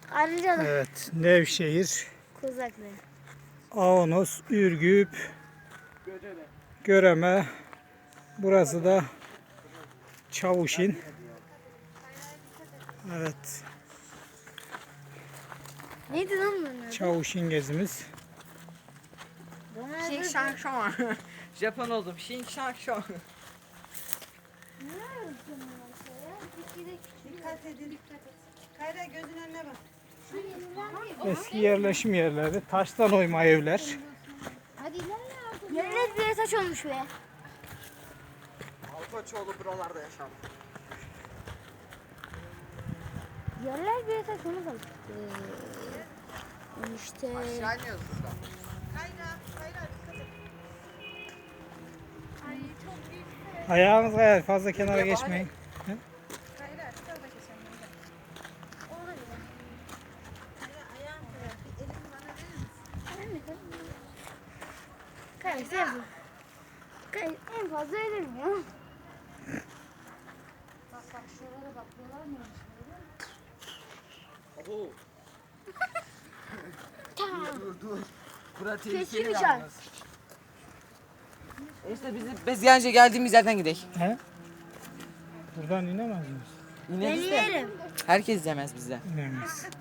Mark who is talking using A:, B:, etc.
A: Arıcalı.
B: Evet, Nevşehir,
A: Kozaklı.
B: Avanos, Ürgüp, Göreme. Burası da Çavuşin. Evet,
A: Neydi lan bunun adı?
B: Çavuşin gezimiz.
C: Şing şang şong. Japon oldum. Şing şang şong.
D: Dikkat edin. Kayra gözün önüne bak.
B: Eski yerleşim yerleri, taştan oyma evler.
A: Yerler bir taş olmuş be.
C: Alkoçoğlu buralarda yaşam.
A: Yerler bir taş olmuş. İşte.
C: Aşağı iniyoruz burada.
D: Kayra dikkat et. Ay çok büyük.
B: Ayağınız kayar, fazla kenara geçmeyin.
D: Kayra şurada geçelim. Orada gidelim. Kayra ayağım kayar. Bir elini bana verir misin?
A: Kayısı yapın. En fazla ölürüm ya.
D: Bak şuralara bak. Buralar neymiş böyle?
C: Oho.
A: Tamam.
C: Dur. Bura
A: Kesin
C: tehlikeli
A: bir
C: yalnız. İşte biz gence geldiğimiz yerden gidelim.
B: He? Buradan inemez miyiz?
C: Yine
A: Ben
C: biz de.
A: yerim.
C: Herkes yemez bizden.
B: İnemeyiz.